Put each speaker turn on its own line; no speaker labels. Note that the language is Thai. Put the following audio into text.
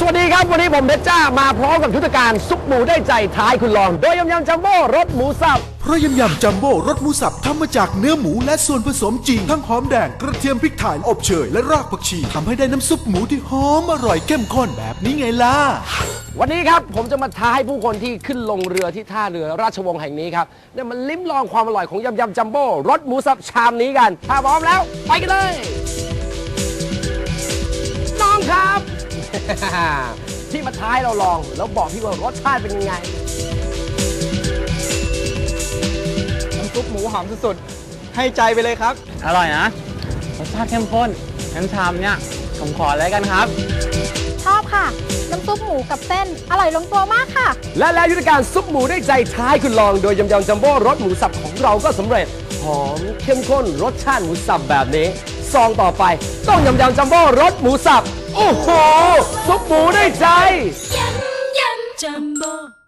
วัสดีครับวันนี้ผมเพชรจ้ามาพร้อมกับยุทธการซุปหมูได้ใจท้ายคุณลองโดยยำจัมโบ้รสหมูสับ
เพราะยำจัมโบ้รสหมูสับทำมาจากเนื้อหมูและส่วนผสมจริงทั้งหอมแดงกระเทียมพริกไทยอบเชยและรากผักชีทำให้ได้น้ำซุปหมูที่หอมอร่อยเข้มข้นแบบนี้ไงล่ะ
วันนี้ครับผมจะมาท้าให้ผู้คนที่ขึ้นลงเรือที่ท่าเรือราชวงศ์แห่งนี้ครับเนี่ยมันลิ้มลองความอร่อยของยำจัมโบ้รสหมูสับชามนี้กันถ้าพร้อมแล้วไปกันเลยน้องครับ ที่มาท้ายเราลองแล้วบอกพี่ว่ารสชาติเป็นยังไง
น้ำซุปหมูหอมสุดๆให้ใจไปเลยครับ
อร่อยนะรสชาติเข้มข้นงั้นชามเนี่ยผมขอเลยกันครับ
ชอบค่ะน้ำซุปหมูกับเส้นอร่อยลงตัวมากค่ะ
และแล้วยุทธการซุปหมูได้ใจท้ายคุณลองโดยยำจัมโบ้รสหมูสับของเราก็สำเร็จหอมเข้มข้นรสชาติหมูสับแบบนี้ซองต่อไปต้องยำจัมโบ้รสหมูสับโอ้โหซุปหมูได้ใจ
ยำจัมโบ้